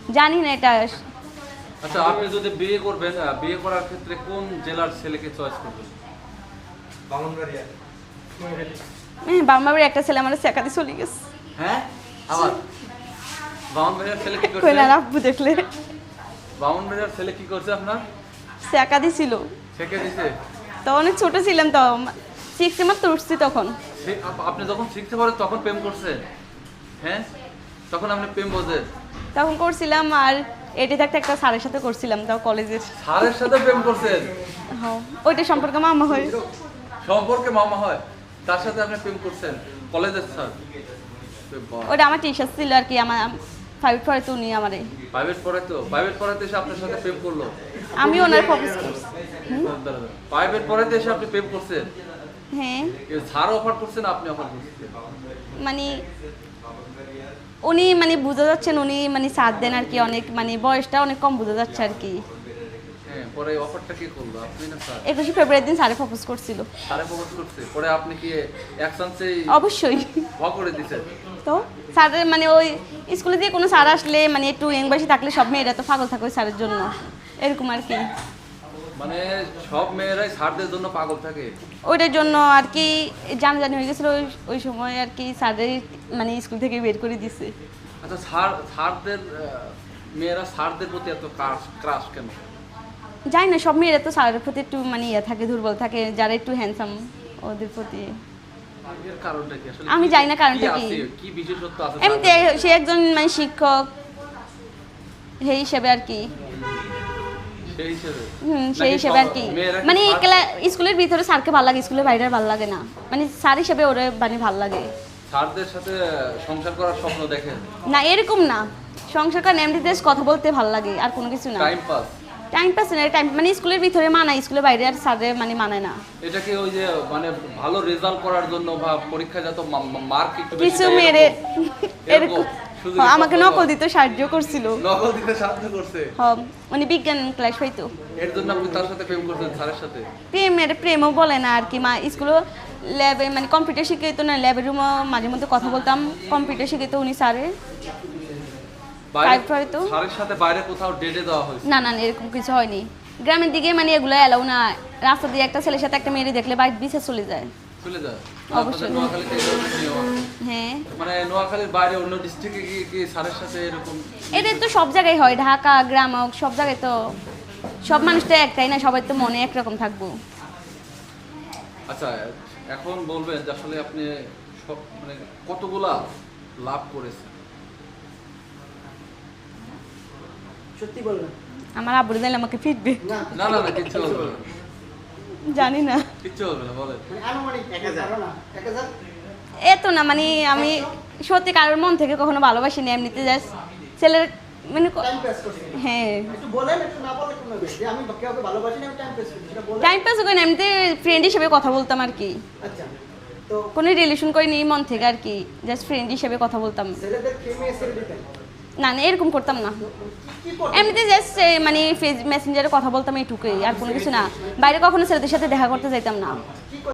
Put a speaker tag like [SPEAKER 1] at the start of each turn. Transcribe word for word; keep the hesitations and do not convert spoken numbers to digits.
[SPEAKER 1] জানি না এটা।
[SPEAKER 2] আচ্ছা, আপনি যদি বিয়ে করবেন, বিয়ে করার ক্ষেত্রে কোন জেলার ছেলেকে চয়েস করবেন?
[SPEAKER 3] বামনবাড়িয়া।
[SPEAKER 1] হ্যাঁ, বামবাড়ির একটা ছেলে আমার শেখাতে চলে গেছে।
[SPEAKER 2] হ্যাঁ, আবার বামনবাড়িয়ার ছেলে কি করছে?
[SPEAKER 1] কই না আব্বু দেখলে
[SPEAKER 2] বামনবাড়িয়ার ছেলে কি করছে আপনার?
[SPEAKER 1] শেখা দিছিল।
[SPEAKER 2] শেখে দিছে?
[SPEAKER 1] তো অনেক ছোট ছিলাম, তো সিক্সে মাত্র উঠছি তখন।
[SPEAKER 2] সে- আপ- আপনি যখন শিখতে পারেন তখন প্রেম করছেন? হ্যাঁ, তখন আপনি প্রেম বোঝেন?
[SPEAKER 1] তখন করছিলাম, আর এটি থাকতে একটা স্যারের সাথে করছিলাম, তাও কলেজের।
[SPEAKER 2] স্যারের সাথে প্রেম করছেন?
[SPEAKER 1] হ্যাঁ, ওইটা সম্পর্কে মামা হয়।
[SPEAKER 2] সম্পর্কে মামা হয়, তার সাথে আপনি প্রেম করছেন? কলেজের স্যার?
[SPEAKER 1] ওইটা আমার টিচার ছিল আর কি, আমার ফাইভ পড়ে তো উনি আমারে।
[SPEAKER 2] প্রাইভেট পড়াইতো? প্রাইভেট পড়াইতে এসে আপনার সাথে প্রেম করলো?
[SPEAKER 1] আমি ওনার প্রপোজ করছি।
[SPEAKER 2] প্রাইভেট পড়াইতে এসে আপনি প্রেম করছেন?
[SPEAKER 1] হ্যাঁ,
[SPEAKER 2] স্যার অফার করছেন, আপনি অফার করছেন?
[SPEAKER 1] মানে উনি মানে বোঝা যাচ্ছেন, উনি মানে সাথ দেন আর কি, অনেক মানে বয়সটা অনেক কম বোঝা যাচ্ছে আর কি।
[SPEAKER 2] হ্যাঁ, পরে অফারটা কি করলো, আপনি না স্যার?
[SPEAKER 1] একুশে ফেব্রুয়ারি দিন স্যারে প্রপোজ করছিল।
[SPEAKER 2] স্যারে প্রপোজ করছে, পরে আপনি কি এক চান্সেই
[SPEAKER 1] অবশ্যই।
[SPEAKER 2] ভ করে দিছেন?
[SPEAKER 1] তো স্যারের মানে ওই স্কুলে দিয়ে কোনো স্যার আসলে মানে একটু ইয়ং বয়সী থাকলে সব মেয়েরা তো পাগল থাকে ওই স্যারের জন্য, এরকম আর কি।
[SPEAKER 2] মানে সব মেয়েরাই স্যারদের জন্য পাগল থাকে?
[SPEAKER 1] ওইটার জন্য আর কি জানাজানি হয়ে গেছিলো ওই ওই সময় আর কি, স্যারের মানে স্কুল থেকে বের করে দিছে।
[SPEAKER 2] আচ্ছা, স্যার স্যারদের আহ, মেয়েরা স্যারদের প্রতি এত ক্রাশ ক্রাশ কেন?
[SPEAKER 1] জানি না, সব মেয়েরা তো স্যারের প্রতি একটু মানে ইয়ে থাকে, দুর্বল থাকে, যারা একটু হ্যান্ডসাম ওদের প্রতি।
[SPEAKER 2] এর কারণটা কি আসলে?
[SPEAKER 1] আমি
[SPEAKER 2] কি-
[SPEAKER 1] জানি না কারণটা কি।
[SPEAKER 2] আছে? কি বিশেষত্ব আছে
[SPEAKER 1] এমনিতে
[SPEAKER 2] স্যারদের?
[SPEAKER 1] সে একজন মানে শিক্ষক সেই হিসেবে আর কি।
[SPEAKER 2] সেই হিসেবে?
[SPEAKER 1] হুম,
[SPEAKER 2] নাকি
[SPEAKER 1] সেই হিসেবে
[SPEAKER 2] সব
[SPEAKER 1] আর কি।
[SPEAKER 2] মেয়েরা কি
[SPEAKER 1] মানে
[SPEAKER 2] স্যার-
[SPEAKER 1] ক্লা- স্কুলের ভিতরে স্যারকে ভালো লাগে, স্কুলের বাইরে ভালো লাগে না, মানে স্যার হিসেবে ওরে মানে ভালো লাগে
[SPEAKER 2] স্যারদের সাথে সংসার করার স্বপ্ন দেখেন?
[SPEAKER 1] না, এরকম না। সংসার কারণ এমনিতে কথা বলতে ভালো লাগে, আর কোনো কিছু না।
[SPEAKER 2] Time pass?
[SPEAKER 1] টাইম পাস না, টাইম মানে স্কুলের ভিতরে মানায়, স্কুলের বাইরে আর স্যারে মানে মানায় না।
[SPEAKER 2] এটা কি ওই যে মানে ভালো রেজাল্ট করার জন্য বা পরীক্ষা যত মার্ক একটু বেশি
[SPEAKER 1] কিছু
[SPEAKER 2] দেয়
[SPEAKER 1] মেরে
[SPEAKER 2] এরকম?
[SPEAKER 1] এরকম
[SPEAKER 2] শুধু
[SPEAKER 1] হ্যাঁ,
[SPEAKER 2] কি
[SPEAKER 1] আমাকে
[SPEAKER 2] স্বপ্ন?
[SPEAKER 1] নকল দিতে সাহায্য করছিল।
[SPEAKER 2] নকল দিতে সাহায্য করছে?
[SPEAKER 1] হ্যাঁ, মানে বিজ্ঞান ক্লাস হইতো।
[SPEAKER 2] এর জন্য আপনি তার সাথে প্রেম করছেন, স্যারের সাথে?
[SPEAKER 1] প্রেমের প্রেমও বলে না আর কি, মা স্কুলে ল্যাবে মানে কম্পিউটার শিখাইতো না, ল্যাবের রুমও মাঝে মধ্যে কথা বলতাম, কম্পিউটার শিখাইতো উনি স্যারে।
[SPEAKER 2] বাইরে
[SPEAKER 1] Type হয়তো?
[SPEAKER 2] স্যারের সাথে বাইরে কোথাও ডেটে দেওয়া হয়েছে?
[SPEAKER 1] না না না, এরকম কিছু হয়নি। গ্রামের দিকে মানে এগুলো এলাও না, রাস্তা দিয়ে একটা ছেলের সাথে একটা মেয়ে দেখলে বাইক বিছে চলে যায়।
[SPEAKER 2] চলে যায়?
[SPEAKER 1] অবশ্যই।
[SPEAKER 2] আপনাদের নোয়াখালীতে এই ধরনের নিয়ম আছে?
[SPEAKER 1] হ্যাঁ,
[SPEAKER 2] মানে নোয়াখালীর বাইরে অন্য ডিস্ট্রিক্টে গিয়ে কি স্যারের সাথে এরকম?
[SPEAKER 1] এটা তো সব জায়গায় হয়, ঢাকা গ্রাম হোক, সব জায়গায় তো সব মানুষ তো একটাই না, সবাই তো মনে একরকম থাকবো।
[SPEAKER 2] আচ্ছা, এখন বলবেন যে আসলে আপনি সব মানে কতগুলা লাভ করেছেন?
[SPEAKER 3] সত্যি বলবেন?
[SPEAKER 1] আমার আব্বুর দিলে আমাকে ফিরবে।
[SPEAKER 3] না
[SPEAKER 2] না না না, কিচ্ছু বলবে না,
[SPEAKER 1] জানি না,
[SPEAKER 2] কিচ্ছু বলবে না, বলেন।
[SPEAKER 3] মানে আনুমানিক এক হাজার না এক হাজার
[SPEAKER 1] এত না, মানে আমি সত্যি কারোর মন থেকে কখনো ভালোবাসিনি, এমনিতে জাস্ট ছেলের মানে ক-
[SPEAKER 3] টাইম পাস করছেন।
[SPEAKER 1] হ্যাঁ,
[SPEAKER 3] একটু বলেন, একটু না বলে কোনো যে আমি কাউকে ভালোবাসি না, আমি টাইম পাস করি সেটা বলেন।
[SPEAKER 1] টাইম পাস করে না, এমনিতে ফ্রেন্ড হিসেবে কথা বলতাম আর কি,
[SPEAKER 3] আচ্ছা, তো
[SPEAKER 1] কোনো রিলেশন করিনি মন থেকে আর কি, জাস্ট ফ্রেন্ড হিসেবে কথা বলতাম।
[SPEAKER 3] ছেলেদের প্রেমে ছেড়ে দিতেন?
[SPEAKER 1] না না, এরকম করতাম না,
[SPEAKER 3] কি কি করতেন?
[SPEAKER 1] এমনিতে জাস্ট মানে ফেস মেসেঞ্জারে কথা বলতাম এইটুকুই, আর কোনো কিছু না। বাইরে কখনো ছেলেদের সাথে দেখা করতে যাইতাম না।
[SPEAKER 3] কি